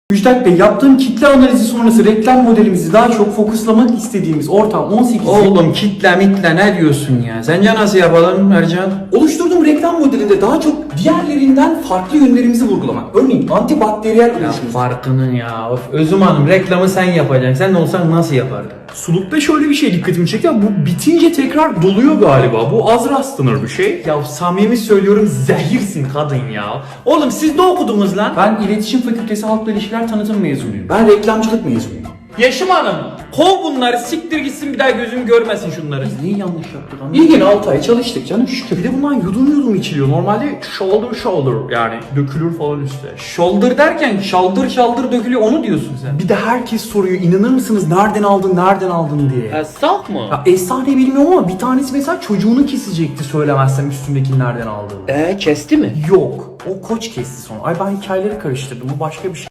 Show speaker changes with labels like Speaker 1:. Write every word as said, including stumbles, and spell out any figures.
Speaker 1: Müjdat Bey, yaptığım kitle analizi sonrası reklam modelimizi daha çok fokuslamak istediğimiz ortam on sekiz...
Speaker 2: Oğlum kitle mitle ne diyorsun ya? Sence nasıl yapalım Ercan?
Speaker 1: Oluşturduğum reklam modelinde daha çok diğerlerinden farklı yönlerimizi vurgulamak. Örneğin antibakteriyel
Speaker 2: Ya
Speaker 1: oluşumuz.
Speaker 2: farkının ya. Of, Özüm Hanım reklamı sen yapacaksın. Sen de olsan nasıl yapardın?
Speaker 3: Sulukta şöyle bir şey dikkatimi çekti. Bu bitince tekrar doluyor galiba. Bu az rastlanır bir şey.
Speaker 2: Ya samimi söylüyorum zehirsin kadın ya. Oğlum siz ne okudunuz lan?
Speaker 1: Ben İletişim Fakültesi Halkla İlişkiler Tanıtım mezunuyum. Ben reklamcılık mezunuyum.
Speaker 2: Yeşim Hanım kov bunları, siktir gitsin, bir daha gözüm görmesin şunları.
Speaker 1: Biz neyi yanlış yaptık anlamadım.
Speaker 3: İyi gene altı ay çalıştık canım şükür. Bir de bundan yudum yudum içiliyor. Normalde shoulder shoulder yani dökülür falan üstte.
Speaker 2: Shoulder derken şaldır şaldır dökülüyor, onu diyorsun sen.
Speaker 1: Bir de herkes soruyor, inanır mısınız nereden aldın nereden aldın diye.
Speaker 2: Esnaf mı?
Speaker 1: Ya efsane bilmiyorum ama bir tanesi mesela çocuğunu kesecekti söylemezsem üstündekini nereden aldığını.
Speaker 2: Eee kesti mi?
Speaker 1: Yok. O koç kesti sonra. Ay ben hikayeleri karıştırdım. Bu başka bir şey.